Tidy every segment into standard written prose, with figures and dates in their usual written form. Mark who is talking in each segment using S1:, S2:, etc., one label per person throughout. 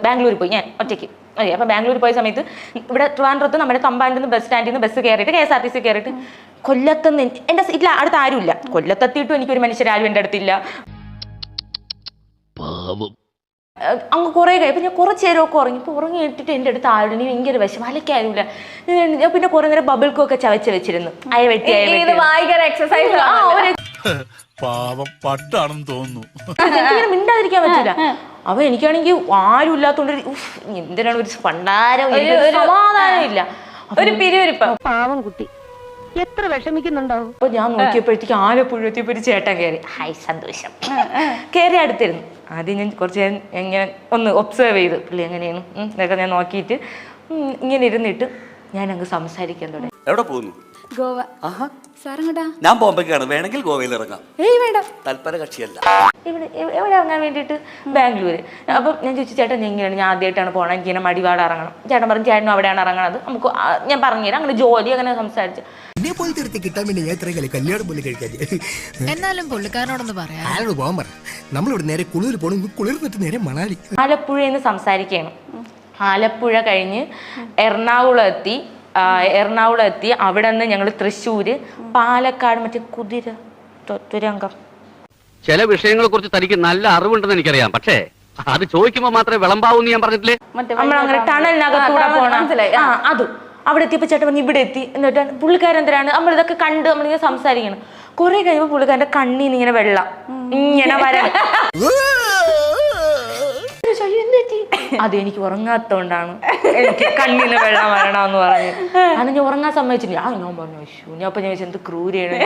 S1: ബാംഗ്ലൂർ പോയി ഞാൻ ഒറ്റയ്ക്ക്. അതെ, അപ്പം ബാംഗ്ലൂർ പോയ സമയത്ത് ഇവിടെ ട്രിവാൻഡ്രത്ത് നമ്മുടെ തമ്പാനിൽ നിന്ന് ബസ് സ്റ്റാൻഡിൽ നിന്ന് ബസ് കയറിയിട്ട് KSRTC കയറിയിട്ട് കൊല്ലത്തുനിന്ന് എൻ്റെ സീറ്റിൽ അടുത്ത് ആരുമില്ല. കൊല്ലത്തെത്തിയിട്ടും എനിക്കൊരു മനുഷ്യരാരും എൻ്റെ അടുത്തില്ല. അങ്ങ് കുറേ കഴിയും. ഞാൻ കുറച്ച് നേരമൊക്കെ ഉറങ്ങി. ഇപ്പോൾ ഉറങ്ങി ഇട്ടിട്ട് എൻ്റെ അടുത്ത് ആരും ഭയങ്കര വിഷം അലക്കാരുമില്ല. ഞാൻ പിന്നെ കുറേ നേരം ബബിൾക്കൊക്കെ ചവച്ച് വെച്ചിരുന്നു. അയ വെട്ടി
S2: എക്സസൈസ്
S1: എനിക്കിങ്ങനെ മിണ്ടാതിരിക്കാൻ പറ്റില്ല. അപ്പൊ എനിക്കാണെങ്കിൽ ആരും ഇല്ലാത്തോണ്ട് എന്തിനാണ് ഒരു പണ്ടാരം സമാധാനം ഇല്ല.
S2: ഒരു പിരിവിരിപ്പം.
S3: പാവം കുട്ടി എത്ര വിഷമിക്കുന്നുണ്ടാവും.
S1: അപ്പൊ ഞാൻ നോക്കിയപ്പോഴത്തേക്ക് ആലപ്പുഴ എത്തിയപ്പോ ഒരു ചേട്ടൻ കയറി. ഹായ് സന്തോഷം. കയറി അടുത്തിരുന്നു. ആദ്യം ഞാൻ കുറച്ച് എങ്ങനെ ഒന്ന് ഒബ്സർവ് ചെയ്ത് പുള്ളി എങ്ങനെയാണ് ഇതൊക്കെ ഞാൻ നോക്കിയിട്ട് ഇങ്ങനെ ഇരുന്നിട്ട് ഞാൻ അങ്ങ് സംസാരിക്കാൻ തുടങ്ങി.
S4: എവിടെ പോകുന്നു?
S2: ഗോവ.
S4: ഞാൻ ബോംബെക്കാണ്, വേണമെങ്കിൽ ഗോവയിൽ ഇറങ്ങാം.
S2: വേണ്ട,
S4: തൽപര കക്ഷിയല്ല.
S1: എവിടെ ഇറങ്ങാൻ വേണ്ടിയിട്ട്? ബാംഗ്ലൂർ. അപ്പം ഞാൻ ചോദിച്ചു ചേട്ടൻ എങ്ങനെയാണ്, ഞാൻ ആദ്യമായിട്ടാണ് പോകണം, എനിക്കിങ്ങനെ മടിപാട് ഇറങ്ങണം. ചേട്ടൻ പറഞ്ഞു ചേട്ടനും അവിടെയാണ് ഇറങ്ങണത്, നമുക്ക് ഞാൻ പറഞ്ഞുതരാം. അങ്ങനെ ജോലി അങ്ങനെ സംസാരിച്ചു.
S5: എന്നാലും പുള്ളിക്കാരനോടൊന്ന് പറയാം.
S6: നമ്മളിവിടെ നേരെ കുളിർ പോകണം, കുളിർന്നിട്ട് നേരെ മണാലി.
S1: ആലപ്പുഴയിൽ നിന്ന് സംസാരിക്കുകയാണ്. ആലപ്പുഴ കഴിഞ്ഞ് എറണാകുളം എത്തി. അവിടെ നിന്ന് ഞങ്ങൾ തൃശ്ശൂര്, പാലക്കാട്, മറ്റേ കുതിര തുരങ്കം.
S7: ചില വിഷയങ്ങളെ കുറിച്ച് തനിക്ക് നല്ല അറിവുണ്ടെന്ന് എനിക്കറിയാം, പക്ഷേ അത് ചോദിക്കുമ്പോ മാത്രമേ വിളമ്പാവൂന്ന് ഞാൻ പറഞ്ഞിട്ടില്ലേ.
S1: നമ്മളങ്ങനെ ടണലിനകത്തൂടെ പോകണം. അതും അവിടെ എത്തിയപ്പോ ചേട്ടൻ പറഞ്ഞു ഇവിടെ എത്തി. എന്നിട്ട് പുള്ളിക്കാരൻ എന്തിനാണ് നമ്മളിതൊക്കെ കണ്ട് നമ്മളിങ്ങനെ സംസാരിക്കണം. കുറെ കഴിയുമ്പോ പുള്ളിക്കാരന്റെ കണ്ണീന്ന് ഇങ്ങനെ വെള്ളം ഇങ്ങനെ വരാൻ. അത് എനിക്ക് ഉറങ്ങാത്തോണ്ടാണ് എനിക്ക് കണ്ണിന് വെള്ളം വരണമെന്ന് പറഞ്ഞു. അന്ന് ഞാൻ ഉറങ്ങാൻ സമ്മതിച്ചില്ല. ഞാൻ പറഞ്ഞു ഞാൻ അപ്പൊ ഞാൻ എന്ത് ക്രൂരാണ്.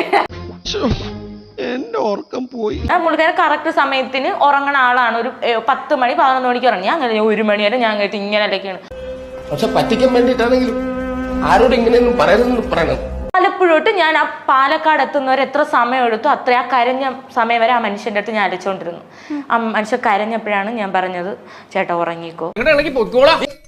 S1: പുള്ളിക്കാരൻ കറക്റ്റ് സമയത്തിന് ഉറങ്ങണ ആളാണ്. ഒരു 10 മണി 11 മണിക്ക് ഉറങ്ങി. അങ്ങനെ 1 മണി വരെ ഞാൻ കഴിച്ച് ഇങ്ങനെ അലക്കാണ്.
S6: പക്ഷെ പറ്റിക്കാൻ വേണ്ടിട്ടാണെങ്കിലും ആരോട് ഇങ്ങനെയൊന്നും പറയണം.
S1: ആലപ്പുഴോട്ട് ഞാൻ ആ പാലക്കാട് എത്തുന്നവരെ എത്ര സമയം എടുത്തു അത്ര ആ കരഞ്ഞ സമയം വരെ ആ മനുഷ്യന്റെ അടുത്ത് ഞാൻ അലച്ചോണ്ടിരുന്നു. ആ മനുഷ്യൻ കരഞ്ഞപ്പോഴാണ് ഞാൻ പറഞ്ഞത് ചേട്ടാ ഉറങ്ങിക്കോ.